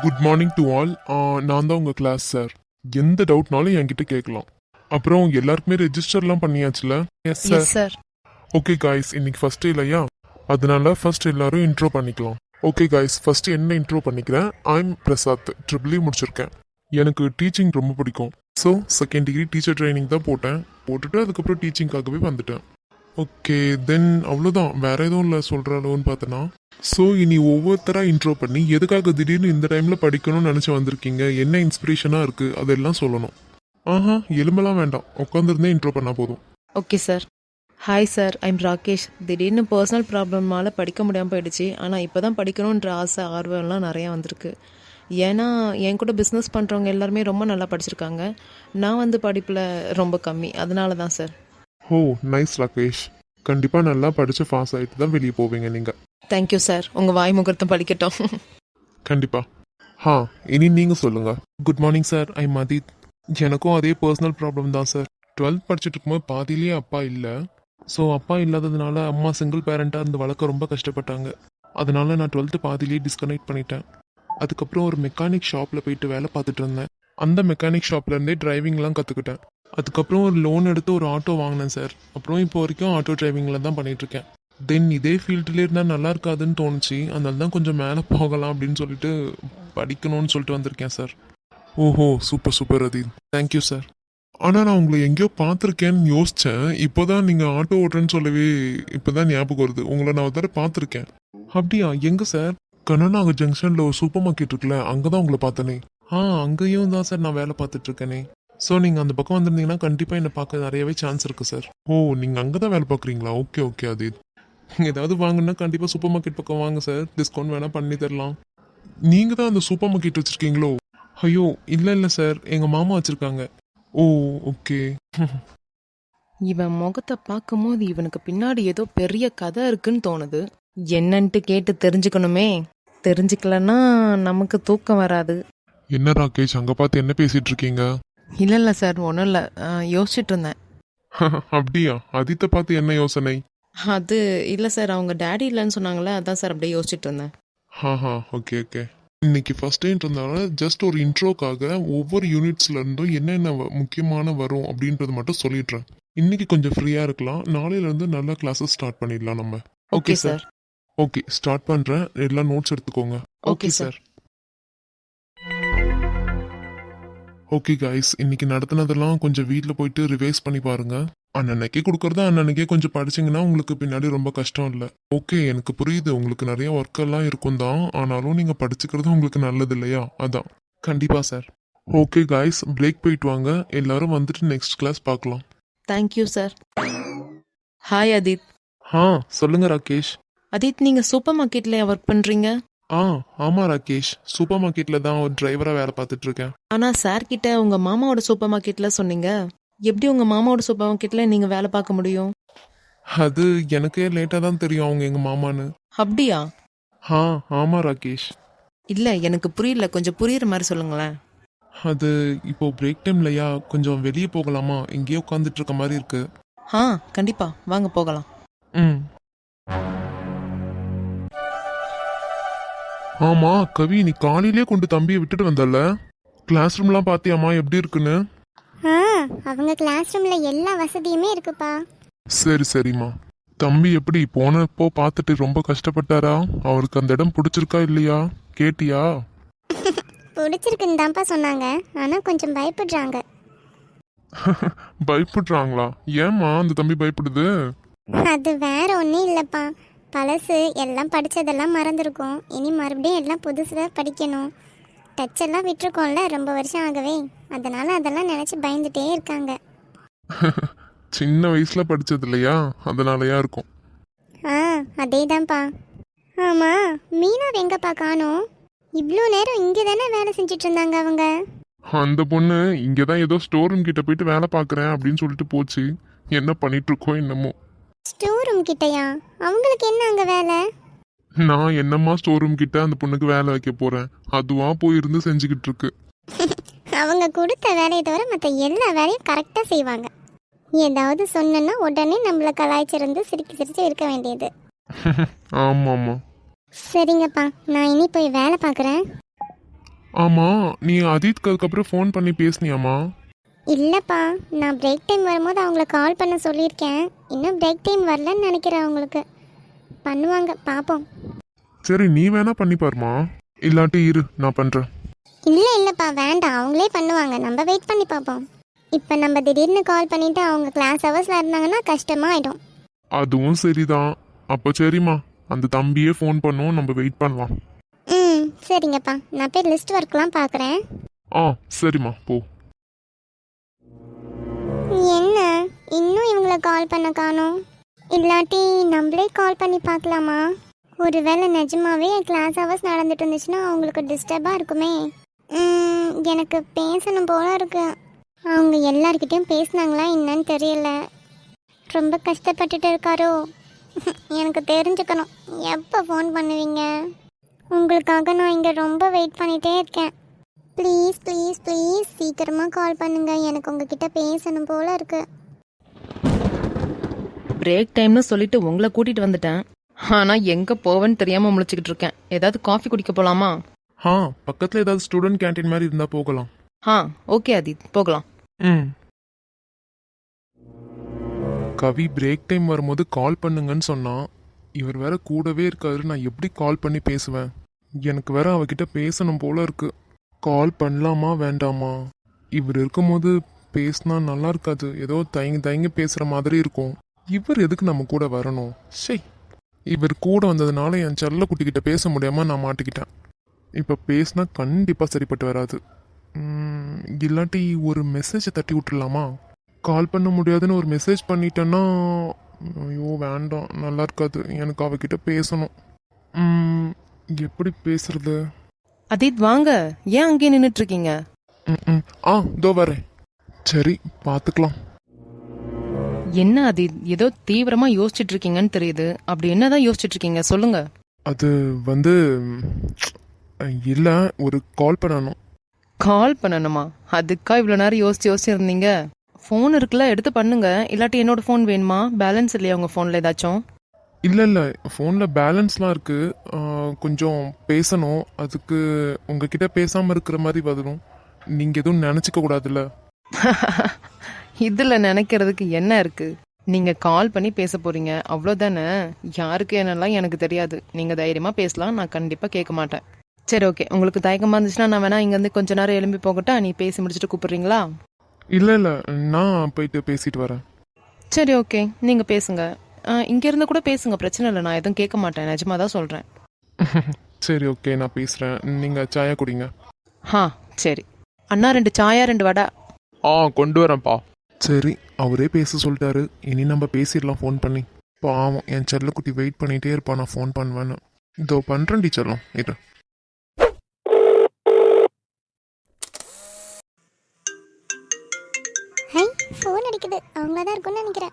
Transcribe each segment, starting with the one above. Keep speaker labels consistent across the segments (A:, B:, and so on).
A: Good morning to all. நான் தான் உங்கள் கிளாஸ் சார். எந்த டவுட்னாலும் என்கிட்ட கேட்கலாம். அப்புறம் எல்லாருக்குமே ரெஜிஸ்டர்லாம் பண்ணியாச்சுல? Yes sir.
B: Yes sir.
A: Okay guys, இன்னைக்கு ஃபர்ஸ்ட் டே இல்லையா, அதனால ஃபர்ஸ்ட் எல்லாரும் இன்ட்ரோ பண்ணிக்கலாம். ஓகே காய்ஸ், ஃபர்ஸ்ட் என்ன இன்ட்ரோ பண்ணிக்கிறேன். ஐம் பிரசாத், ட்ரிபிள் முடிச்சிருக்கேன். எனக்கு டீச்சிங் ரொம்ப பிடிக்கும். So second degree teacher training தான் போட்டுட்டு அதுக்கப்புறம் டீச்சிங்காகவே வந்துட்டேன். ஓகே தென் அவ்வளோதான், வேற எதுவும் இல்லை சொல்கிற அளவுன்னு பார்த்தனா. ஸோ இனி ஒவ்வொருத்தராக இன்ட்ரோ பண்ணி எதுக்காக திடீர்னு இந்த டைமில் படிக்கணும்னு நினச்சி வந்திருக்கீங்க, என்ன இன்ஸ்பிரேஷனாக இருக்குது அதெல்லாம் சொல்லணும். ஆஹா, எலும்பெல்லாம் வேண்டாம், உட்காந்துருந்தே இன்ட்ரோ பண்ணால் போதும்.
B: Okay sir. Hi sir, I'm Rakesh. திடீர்னு பர்சனல் ப்ராப்ளம்னால படிக்க முடியாமல் போயிடுச்சு. ஆனால் இப்போ தான் படிக்கணுன்ற ஆசை ஆர்வம்லாம் நிறையா வந்திருக்கு. ஏன்னா என் கூட பிஸ்னஸ் பண்ணுறவங்க எல்லாருமே ரொம்ப நல்லா படிச்சிருக்காங்க. நான் வந்து படிப்பில் ரொம்ப கம்மி, அதனால தான் சார்.
A: ஓ நைஸ் ராகேஷ், கண்டிப்பாக நல்லா படித்து பாஸ் ஆகிட்டு தான் வெளியே போவீங்க நீங்கள்.
B: தேங்க்யூ சார், உங்கள் வாய் முகூர்த்தம் படிக்கட்டும்.
A: கண்டிப்பாக. இனி நீங்கள் சொல்லுங்கள். Good morning sir, I Madith. எனக்கும் அதே பர்சனல் ப்ராப்ளம் தான் சார். 12th படிச்சுட்டு இருக்கும்போது பாதியிலேயே அப்பா இல்லை. ஸோ அப்பா இல்லாததுனால அம்மா சிங்கிள் பேரண்ட்டாக இருந்து வளர்க்க ரொம்ப கஷ்டப்பட்டாங்க. அதனால நான் 12th பாதியிலேயே டிஸ்கனெக்ட் பண்ணிட்டேன். அதுக்கப்புறம் ஒரு மெக்கானிக் ஷாப்பில் போயிட்டு வேலை பார்த்துட்டு இருந்தேன். அந்த மெக்கானிக் ஷாப்லேருந்தே டிரைவிங்லாம் கற்றுக்கிட்டேன். அதுக்கப்புறம் ஒரு லோன் எடுத்து ஒரு ஆட்டோ வாங்கினேன் சார். அப்புறம் இப்போ வரைக்கும் ஆட்டோ டிரைவிங்கில் தான் பண்ணிகிட்ருக்கேன். தென் இதே ஃபீல்டுலேயே இருந்தால் நல்லா இருக்காதுன்னு தோணுச்சு. அதனால தான் கொஞ்சம் மேலே போகலாம் அப்படின்னு சொல்லிட்டு படிக்கணும்னு சொல்லிட்டு வந்திருக்கேன் சார். ஓஹோ super super Adith, thank you sir. ஆனால் நான் உங்களை எங்கேயோ பார்த்துருக்கேன்னு யோசித்தேன். இப்போ தான் நீங்கள் ஆட்டோ ஓட்டுறேன்னு சொல்லவே இப்போ தான் ஞாபகம் வருது. உங்களை நான் ஒரு தடவை பார்த்துருக்கேன். அப்படியா, எங்கே சார்? கண்ணனாக ஜங்ஷனில் ஒரு சூப்பர் மார்க்கெட் இருக்குல்ல, அங்கே தான் உங்களை பார்த்தனே. அங்கேயும் தான் சார் நான் வேலை பார்த்துட்ருக்கேனே. ஸோ நீங்கள் அந்த பக்கம் வந்திருந்தீங்கன்னா கண்டிப்பாக என்னை பார்க்க நிறையவே சான்ஸ் இருக்குது சார். ஓ நீங்கள் அங்கே தான் வேலை பார்க்குறீங்களா? Okay okay Adith. ஏதாவது வாங்கினா கண்டிப்பாக சூப்பர் மார்க்கெட் பக்கம் வாங்க சார், டிஸ்கவுண்ட் வேணால் பண்ணி தரலாம். நீங்கள் தான் அந்த சூப்பர் மார்க்கெட் வச்சுருக்கீங்களோ? ஐயோ இல்லை சார், எங்கள் மாமா வச்சுருக்காங்க. ஓ ஓகே.
B: இவன் முகத்தை பார்க்கும்போது இவனுக்கு பின்னாடி ஏதோ பெரிய கதை இருக்குன்னு தோணுது. என்னன்ட்டு கேட்டு தெரிஞ்சுக்கணுமே. தெரிஞ்சுக்கலன்னா நமக்கு தூக்கம் வராது.
A: என்ன ராகேஷ், அங்கே பார்த்து என்ன பேசிகிட்டு இருக்கீங்க?
B: இல்லை சார், ஒன்றும் இல்லை, யோசிச்சுட்டு இருந்தேன்.
A: அப்படியா, அதித்தை பார்த்து என்ன யோசனை?
B: அது இல்லை சார், அவங்க டேடி இல்லைன்னு சொன்னாங்களே, அதான் சார் அப்படியே யோசிச்சுட்டு இருந்தேன்.
A: Okay okay. இன்னைக்கு ஃபர்ஸ்ட் டேன்றதுனால ஜஸ்ட் ஒரு இன்ட்ரோக்காக ஒவ்வொரு யூனிட்ஸ்ல இருந்தும் என்னென்ன முக்கியமான வரும் அப்படின்றது மட்டும் சொல்லிடுறேன். இன்னைக்கு கொஞ்சம் ஃப்ரீயா இருக்கலாம், நாளையில இருந்து நல்ல கிளாஸஸ் ஸ்டார்ட் பண்ணிடலாம் நம்ம.
B: Okay sir.
A: ஓகே ஸ்டார்ட் பண்றேன், எல்லாம் நோட்ஸ் எடுத்துக்கோங்க.
B: Okay sir.
A: ஓகே கைஸ், இன்னைக்கு நடத்தினதெல்லாம் கொஞ்சம் வீட்டில் போயிட்டு ரிவைஸ் பண்ணி பாருங்க. அன்னன்னைக்கே கொடுக்கறதா அன்னன்னைக்கே கொஞ்சம் படிச்சிங்கன்னா உங்களுக்கு பின்னாடி ரொம்ப கஷ்டம் இல்லை. ஓகே எனக்கு புரியுது, உங்களுக்கு நிறைய ஒர்க் எல்லாம் இருக்கும் தான், ஆனாலும் நீங்கள் படிச்சுக்கிறது உங்களுக்கு நல்லது இல்லையா, அதான். கண்டிப்பாக சார். ஓகே கைஸ், பிரேக் போயிட்டு வாங்க, எல்லாரும் வந்துட்டு நெக்ஸ்ட் கிளாஸ் பார்க்கலாம்.
B: Thank you sir. ஹாய் அதித்.
A: சொல்லுங்க ராகேஷ்.
B: அதித், நீங்கள் சூப்பர் மார்க்கெட்டில் ஒர்க் பண்ணுறீங்க?
A: ஆமாம் ராகேஷ், சூப்பர் மார்க்கெட்டில் தான் ஒரு டிரைவராக வேலை பார்த்துட்டு இருக்கேன்.
B: ஆனால் சார் கிட்ட உங்கள் மாமாவோட சூப்பர் மார்க்கெட்டில் சொன்னீங்க. எப்படி உங்கள் மாமாவோட சூப்பர் மார்க்கெட்டில் நீங்கள் வேலை பார்க்க முடியும்?
A: அது எனக்கே லேட்டாக தான் தெரியும் அவங்க எங்கள் மாமான்னு.
B: அப்படியா?
A: ஆமாம் ராகேஷ்.
B: இல்லை எனக்கு புரியல, கொஞ்சம் புரியுற மாதிரி சொல்லுங்களேன்.
A: அது இப்போ பிரேக் டைம் இல்லையா, கொஞ்சம் வெளியே போகலாமா? இங்கேயே உட்காந்துட்டு இருக்க மாதிரி இருக்கு.
B: கண்டிப்பாக வாங்க போகலாம்.
A: ஆமா கவி, நீ காலையிலே கொண்டு தம்பியை விட்டுட்டு வந்தல, கிளாஸ் ரூம்லாம் பாத்தியாமா எப்படி இருக்குன்னு?
C: அவங்க கிளாஸ் ரூம்ல எல்லா வசதியுமே இருக்குப்பா.
A: சரிம்மா. தம்பி எப்படி போனப்போ பார்த்துட்டு ரொம்ப கஷ்டப்பட்டாரா? அவருக்கு அந்த இடம் பிடிச்சிருக்கா இல்லையா கேட்டியா?
C: பிடிச்சிருக்குன்னு தான்ப்பா சொன்னாங்க, ஆனா கொஞ்சம் பயப்படுறாங்க.
A: பயப்படுறாங்களா? ஏம்மா அந்த தம்பி பயப்படுது?
C: அது வேற ஒன்றும் இல்லைப்பா, பழசு எல்லாம் படித்ததெல்லாம் மறந்துருக்கும், இனி மறுபடியும் எல்லாம் புதுசாக படிக்கணும். டச் எல்லாம் விட்டுருக்கோம்ல ரொம்ப வருஷம் ஆகவே, அதனால அதெல்லாம் நினச்சி பயந்துட்டே இருக்காங்க.
A: சின்ன வயசுல படிச்சது இல்லையா, அதனாலயா இருக்கும்.
C: அதே தான்ப்பா. ஆமாம், மீனா எங்கப்பா காணோம்? இவ்வளோ நேரம் இங்கே தானே வேலை செஞ்சுட்டு இருந்தாங்க அவங்க.
A: அந்த பொண்ணு இங்கே தான் ஏதோ ஸ்டோர் ரூம் கிட்ட போயிட்டு வேலை பார்க்குறேன் அப்படின்னு சொல்லிட்டு போச்சு. என்ன பண்ணிட்டு இருக்கோ என்னமோ.
C: ஸ்டோர் ரூம் கிட்டயா? அவங்களுக்கு என்ன அங்கே வேலை?
A: நான் என்னம்மா ஸ்டோர் ரூம் கிட்ட அந்த பொண்ணுக்கு வேலை வைக்க போறேன், அதுவா போயிருந்து செஞ்சுக்கிட்டு இருக்கு.
C: அவங்க கொடுத்த வேலையை தவிர மற்ற எல்லா வேலையும் கரெக்டாக செய்வாங்க. ஏதாவது சொன்னா உடனே நம்மளை கலாய்ச்சிருந்து சிரிச்சு இருக்க வேண்டியது.
A: ஆமாம்மா.
C: சரிங்கப்பா, நான் இனி போய் வேலை பார்க்குறேன்.
A: ஆமா, நீ அதீத்க்கு அதுக்கப்புறம் ஃபோன் பண்ணி பேசுனியாமா?
C: இல்லைப்பா, நான் பிரேக் டைம் வரும்போது அவங்கள கால் பண்ண சொல்லியிருக்கேன். இன்னும் பிரேக் டைம் வரலன்னு நினைக்கிறேன் அவங்களுக்கு. பண்ணுவாங்க, பார்ப்போம்.
A: சரி, நீ வேணா பண்ணி பாருமா, இல்லாட்டி இரு நான் பண்றேன்.
C: இல்லைப்பா, வேண்டாம், அவங்களே பண்ணுவாங்க. நம்ம வெயிட் பண்ணி பார்ப்போம். இப்போ நம்ம திடீர்னு கால் பண்ணிவிட்டு அவங்க கிளாஸ் ஹவர்ஸில் இருந்தாங்கன்னா கஷ்டமாயிடும்.
A: அதுவும் சரிதான். அப்போ சரிம்மா, அந்த தம்பியே ஃபோன் பண்ணும், நம்ம வெயிட் பண்ணலாம்.
C: ம், சரிங்கப்பா. நான் போய் லிஸ்ட் ஒர்க்லாம் பார்க்குறேன்.
A: ஆ சரிம்மா, போ.
C: என்ன இன்னும் இவங்கள கால் பண்ண காணோம்? இல்லாட்டி நம்மளே கால் பண்ணி பார்க்கலாமா? ஒருவேளை நிஜமாவே கிளாஸ் ஹவர்ஸ் நடந்துட்டு இருந்துச்சுன்னா அவங்களுக்கு டிஸ்டர்பாக இருக்குமே. எனக்கு பேசணும் போல இருக்கு. அவங்க எல்லார்கிட்டையும் பேசினாங்களா என்னன்னு தெரியல. ரொம்ப கஷ்டப்பட்டுட்டு இருக்காரோ? எனக்கு தெரிஞ்சுக்கணும். எப்போ ஃபோன் பண்ணுவீங்க? உங்களுக்காக நான் இங்கே ரொம்ப வெயிட் பண்ணிகிட்டே இருக்கேன். ப்ளீஸ் ப்ளீஸ் ப்ளீஸ் சீக்கிரமாக கால் பண்ணுங்க. எனக்கு உங்ககிட்ட பேசணும் போல இருக்கு.
B: பிரேக் டைம்னு சொல்லிட்டு உங்களை கூட்டிட்டு வந்துட்டேன். ஆனா எங்க போவேன்னு தெரியாம முழிச்சுக்கிட்டு இருக்கேன். ஏதாவது காஃபி குடிக்க போலாமா?
A: பக்கத்துல ஏதாவது ஸ்டூடெண்ட் கேண்டீன் மாதிரி இருந்தா போகலாம்.
B: ஓகே ஆதித், போகலாம்.
A: கவி பிரேக் டைம் வரும்போது கால் பண்ணுங்கன்னு சொன்னா, இவர் வேற கூடவே இருக்காரு. நான் எப்படி கால் பண்ணி பேசுவேன்? எனக்கு வேற அவகிட்ட பேசணும் போல இருக்கு. கால் பண்ணலாமா வேண்டாமா? இவர் இருக்கும்போது பேசினா நல்லா இருக்காது. ஏதோ தயங்கி தயங்கி பேசுற மாதிரி இருக்கும். இவர் எதுக்கு நம்ம கூட வரணும்? இவர் கூட வந்ததுனால என் செல்ல குட்டிக்கிட்ட பேச முடியாம நான் மாட்டிக்கிட்டேன். இப்ப பேசினா கண்டிப்பா சரிப்பட்டு வராது. இல்லாட்டி ஒரு மெசேஜை தட்டி விட்டுடலாமா? கால் பண்ண முடியாதுன்னு ஒரு மெசேஜ் பண்ணிட்டேன்னா, ஐயோ வேண்டாம், நல்லா இருக்காது. எனக்கு அவகிட்ட பேசணும். எப்படி பேசுறது?
B: ஆதித் வாங்க, ஏன் அங்கேயே நின்றுட்டு இருக்கீங்க?
A: இதோ வரேன். சரி, பார்த்துக்கலாம்.
B: என்ன ஆதித், ஏதோ தீவிரமா யோசிச்சுட்டு இருக்கீங்கன்னு தெரியுது. அப்படி என்னதான் யோசிச்சுட்டு இருக்கீங்க, சொல்லுங்க.
A: அது வந்து இல்ல, ஒரு கால் பண்ணணும்.
B: கால் பண்ணணுமா? அதுக்கா இவ்வளோ நேரம் யோசிச்சு இருந்தீங்க? ஃபோன் இருக்குல்ல, எடுத்து பண்ணுங்க. இல்லாட்டி என்னோட ஃபோன் வேணுமா? பேலன்ஸ் இல்லையா உங்க ஃபோன்ல ஏதாச்சும்?
A: இல்ல ஃபோன்ல பேலன்ஸ்லாம் இருக்கு. கொஞ்சம் பேசணும். அதுக்கு உங்ககிட்ட பேசாம இருக்கிற மாதிரி வரும். நீங்க எதுவும் நினைச்சுக்க கூடாதுல்ல.
B: இதுல நினைக்கிறதுக்கு என்ன இருக்கு? நீங்க கால் பண்ணி பேச போறீங்க, அவ்வளோதானே. யாருக்கு என்னெல்லாம் எனக்கு தெரியாது. நீங்க தைரியமா பேசலாம், நான் கண்டிப்பா கேட்க மாட்டேன். சரி ஓகே, உங்களுக்கு தயக்கமா இருந்துச்சுன்னா நான் வேணா இங்கேருந்து கொஞ்ச நேரம் எழும்பி போகட்டா? நீ பேசி முடிச்சுட்டு கூப்பிடுறீங்களா?
A: இல்ல நான் போயிட்டு பேசிட்டு வரேன்.
B: சரி ஓகே, நீங்க பேசுங்க. இங்க இருந்து கூட பேசுங்க, பிரச்சனை இல்லை. நான் எதுவும் கேட்க மாட்டேன், நிஜமா தான் சொல்றேன்.
A: சரி ஓகே, நான் பேசுறேன். நீங்க சாயா குடிங்க.
B: சரி அண்ணா, 2 சாயா 2 வடை.
A: கொண்டு வரேன்ப்பா. சரி, அவரே பேச சொல்லிட்டாரு. இனி நம்ம பேசிடலாம் ஃபோன் பண்ணி. பாவம், என் செல்லக்குட்டி வெயிட் பண்ணிட்டே இருப்பா நான் ஃபோன் பண்ணுவேன்னு. இதோ பண்றேன் டீச்சர்லாம் இது.
C: ஃபோன் அடிக்குது. அவங்கள தான் இருக்கும்னு நினைக்கிறேன்.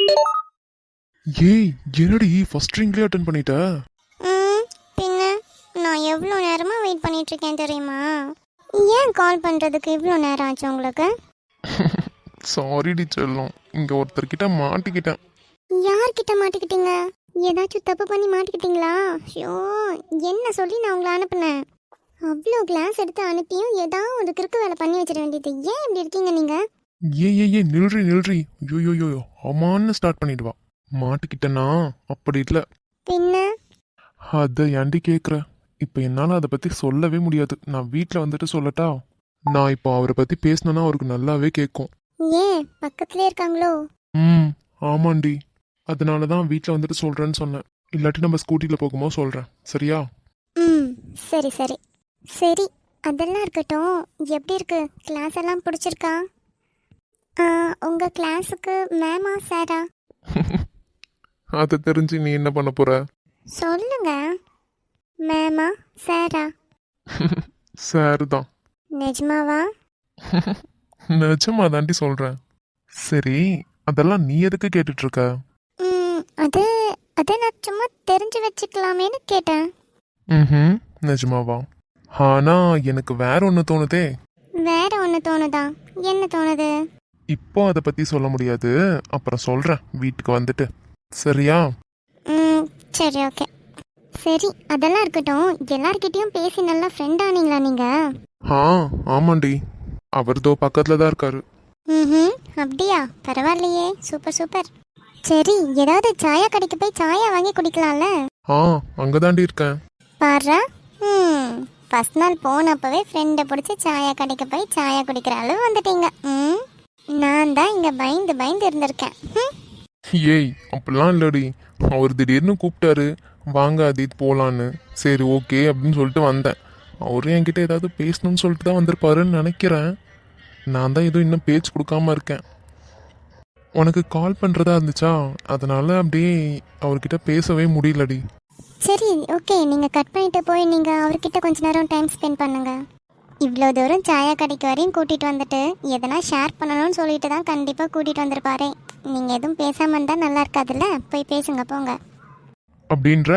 A: ஏய், என்னடி ஃபர்ஸ்ட் ரிங்லயே அட்டென்ட் பண்ணிட்ட?
C: பின்ன நான் எவ்வளோ நேரமாக வெயிட் பண்ணிட்டு இருக்கேன் தெரியுமா? ஏன் கால் பண்ணுறதுக்கு இவ்வளோ நேரம் ஆச்சு உங்களுக்கு?
A: சாரி டீச்சர்லாம், இங்க ஒருத்தர்கிட்ட மாட்டிக்கிட்டேன்.
C: யார்கிட்ட மாட்டிக்கிட்டீங்க? ஏதாச்சும் தப்பு பண்ணி மாட்டிக்கிட்டீங்களா? ஐயோ, என்ன சொல்லி நான் உங்களை அனுப்புனேன்? அவ்வளோ கிளாஸ் எடுத்து அனுப்பியும் ஏதாவது ஒரு கிறுக்கு வேலை பண்ணி வச்சிட வேண்டியது. ஏன் இப்படி இருக்கீங்க நீங்கள்?
A: ஏ நில்றி. யோயோயோ, அம்மான்னு ஸ்டார்ட் பண்ணிடுவா. மாட்டிக்கிட்டனா? அப்படி இல்லை.
C: பின்ன
A: அதை ஏன்டி கேட்குற? இப்போ என்னால் அதை பற்றி சொல்லவே முடியாது. நான் வீட்டில் வந்துட்டு சொல்லட்டா? நான் இப்போ அவரை பற்றி பேசினேன்னா அவருக்கு நல்லாவே கேட்கும்.
C: ஏன் பக்கத்துலேயே இருக்காங்களோ?
A: ஆமாண்டி, அதனால தான் வீட்டில் வந்துட்டு சொல்கிறேன்னு சொன்னேன். இல்லாட்டி நம்ம ஸ்கூட்டியில் போகும்போது சொல்கிறேன், சரியா?
C: சரி சரி சரி, அதெல்லாம் இருக்கட்டும். எப்படி இருக்கு கிளாஸ் எல்லாம் பிடிச்சிருக்கா? உங்கள் கிளாஸுக்கு மேமா சாரா?
A: அதை தெரிஞ்சு நீ என்ன பண்ண போற?
C: சொல்லுங்க, மேமா சாரா?
A: சார் தான்.
C: நிஜமாவா?
A: நிஜமா தாண்டி சொல்கிறேன். சரி, அதெல்லாம் நீ எதுக்கு கேட்டுட்டு இருக்க?
C: அது நான் சும்மா தெரிஞ்சு வச்சுக்கலாமேன்னு கேட்டேன்.
A: நிஜமாவா? ஆனா எனக்கு வேற ஒன்று தோணுதே.
C: வேற ஒன்று தோணுதா? என்ன தோணுது?
A: இப்போ அதை பத்தி சொல்ல முடியாது, அப்புறம் சொல்றேன் வீட்டுக்கு வந்துட்டு, சரியா?
C: சரி ஓகே. சரி அதெல்லாம் இருக்கட்டும், எல்லார்கிட்டயும் பேசி நல்லா ஃப்ரெண்ட் ஆனீங்களா நீங்க?
A: ஆ ஆமாண்டி, அவர் தோ பக்கத்துல தான் இருக்காரு.
C: ம், அப்படியா? பரவாயில்லையே, சூப்பர் சூப்பர். சரி, ஏதாவது சாயா கடைக்கு போய் சாயா வாங்கி குடிக்கலாம்ல?
A: ஆ அங்கதாண்டி இருக்கேன்.
C: பாரு, ஃபர்ஸ்ட் நாள் போனப்பவே ஃப்ரெண்டை பிடிச்சி சாயா கடைக்கு போய் சாயா குடிக்கிற அளவு வந்துட்டீங்க. நான் தான் இங்கே பயந்து பயந்து இருந்திருக்கேன்.
A: ஏய் அப்படிலாம் இல்லடி, அவர் திடீர்னு கூப்பிட்டாரு, வாங்க அதீத் போலான்னு. சரி ஓகே அப்படின்னு சொல்லிட்டு வந்தேன். அவரும் என்கிட்ட ஏதாவது பேசணும்னு சொல்லிட்டு தான் வந்திருப்பாருன்னு நினைக்கிறேன். நான் தான் எதுவும் இன்னும் பேச்சு கொடுக்காம இருக்கேன். உனக்கு கால் பண்ணுறதா இருந்துச்சா, அதனால அப்படியே அவர்கிட்ட பேசவே முடியலடி.
C: சரி ஓகே, நீங்கள் கட் பண்ணிட்டு போய் நீங்கள் அவர்கிட்ட கொஞ்ச நேரம் டைம் ஸ்பெண்ட் பண்ணுங்க. இவ்வளோ தூரம் சாயா கடைக்கு வரையும் கூட்டிகிட்டு வந்துட்டு எதனா ஷேர் பண்ணணும்னு சொல்லிட்டு தான் கண்டிப்பாக கூட்டிகிட்டு வந்திருப்பாரு. நீங்கள் எதுவும் பேசாமல் இருந்தால் நல்லா இருக்காதுல்ல, போய் பேசுங்க போங்க.
A: அப்படின்ற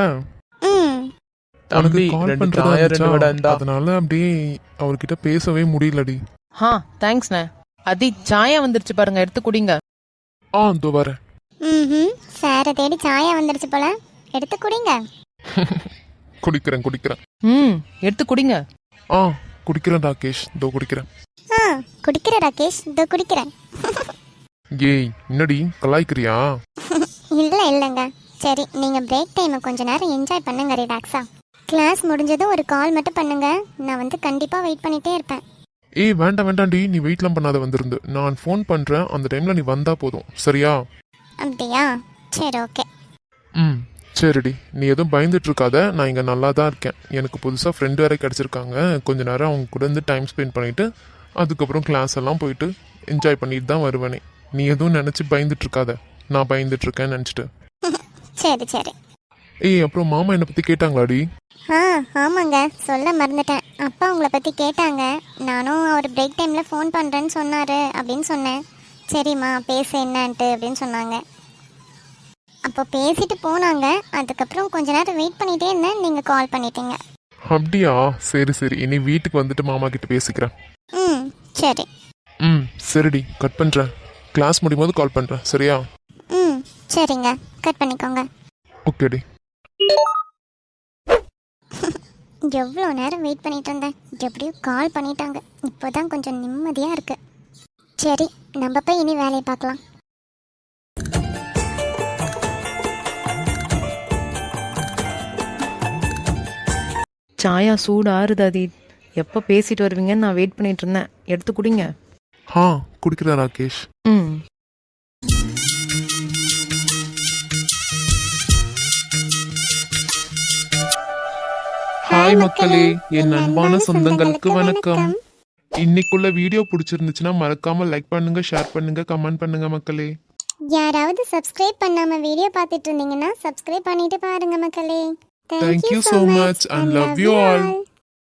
A: உனக்கு கால் பண்ணுறதா இருந்துச்சா, அதனால அப்படியே அவர்கிட்ட பேசவே முடியலடி.
B: தேங்க்ஸ்ண்ணே. அதீத் சாயா வந்துருச்சு பாருங்க, எடுத்து குடிங்க.
A: இதோ வரேன்.
C: சாரை தேடி சாயா வந்துருச்சு போல, எடுத்து குடிங்க.
A: குடிக்கிறேன்.
B: எடுத்து குடிங்க.
A: குடிக்கிறேன் ராகேஷ், இதோ குடிக்கிறேன்.
C: குடிக்கிறேன் ராகேஷ், இதோ குடிக்கிறேன்.
A: ஏய் என்னடி கலாய்க்கிறியா?
C: இல்லைங்க. சரி, நீங்கள் பிரேக் டைமை கொஞ்ச நேரம் என்ஜாய் பண்ணுங்க, ரிலாக்ஸா. கிளாஸ் முடிஞ்சதும் ஒரு கால் மட்டும் பண்ணுங்க, நான் வந்து கண்டிப்பாக வெயிட் பண்ணிகிட்டே இருப்பேன்.
A: ஏய் வேண்டாண்டி, நீ வெயிட்லாம் பண்ணாத, வந்திருந்து நான் ஃபோன் பண்ணுறேன், அந்த டைமில் நீ வந்தா போதும், சரியா?
C: அப்படியா? சரி ஓகே.
A: சரிடி, நீ எதுவும் பயந்துட்டு இருக்காத, நான் இங்கே நல்லா தான் இருக்கேன். எனக்கு புதுசாக ஃப்ரெண்டு வேற கிடச்சிருக்காங்க. கொஞ்ச நேரம் அவங்க கூட இருந்து டைம் ஸ்பெண்ட் பண்ணிவிட்டு அதுக்கப்புறம் கிளாஸ் எல்லாம் போயிட்டு என்ஜாய் பண்ணிட்டு தான் வருவேனே. நீ எதுவும் நினச்சி பயந்துட்டு இருக்காத, நான் பயந்துட்டு இருக்கேன்னு நினச்சிட்டு.
C: சரி.
A: ஏய் அப்புறம் மாமா என்னை பற்றி கேட்டாங்களாடி?
C: ஆமாங்க, சொல்ல மறந்துட்டேன். அப்பா உங்களை பற்றி கேட்டாங்க. நானும் அவர் பிரேக் டைமில் ஃபோன் பண்ணுறேன்னு சொன்னார் அப்படின்னு சொன்னேன். சரிம்மா பேச என்னன்ட்டு அப்படின்னு சொன்னாங்க. அப்போ பேசிட்டு போனாங்க. அதுக்கப்புறம் கொஞ்ச நேரம் வெயிட் பண்ணிகிட்டே இருந்தேன், நீங்கள் கால் பண்ணிட்டீங்க.
A: அப்படியா? சரி, இனி வீட்டுக்கு வந்துட்டு மாமா கிட்ட பேசிக்கிறேன்.
C: சரி.
A: சரிடி, கட் பண்ணுறேன். கிளாஸ் முடியும் போது கால் பண்ணுறேன், சரியா?
C: சரிங்க, கட் பண்ணிக்கோங்க.
A: ஓகேடி.
C: எவ்வளோ நேரம் வெயிட் பண்ணிட்டு இருந்தேன், எப்படியும் கால் பண்ணிட்டாங்க. இப்போதான் கொஞ்சம் நிம்மதியாக இருக்கு. சரி, நம்ம போய் இனி வேலையை பார்க்கலாம்.
B: சாயா சூடு ஆறுது அதீத். எப்போ பேசிட்டு வருவீங்கன்னு நான் வெயிட் பண்ணிட்டு இருந்தேன், எடுத்து குடிங்க.
A: குடிக்கிறேன் ராகேஷ். ஹாய் மக்களே, என் அன்பான சொந்தங்களுக்கு வணக்கம். இன்னைக்குள்ள வீடியோ பிடிச்சிருந்துச்சுன்னா மறக்காம லைக் பண்ணுங்க, ஷேர் பண்ணுங்க, கமெண்ட் பண்ணுங்க மக்களே.
C: யாராவது சப்ஸ்கிரைப் பண்ணாம வீடியோ பார்த்துட்டு இருந்தீங்கன்னா சப்ஸ்கிரைப் பண்ணிட்டு பாருங்க மக்களே.
A: Thank you so much and love you all.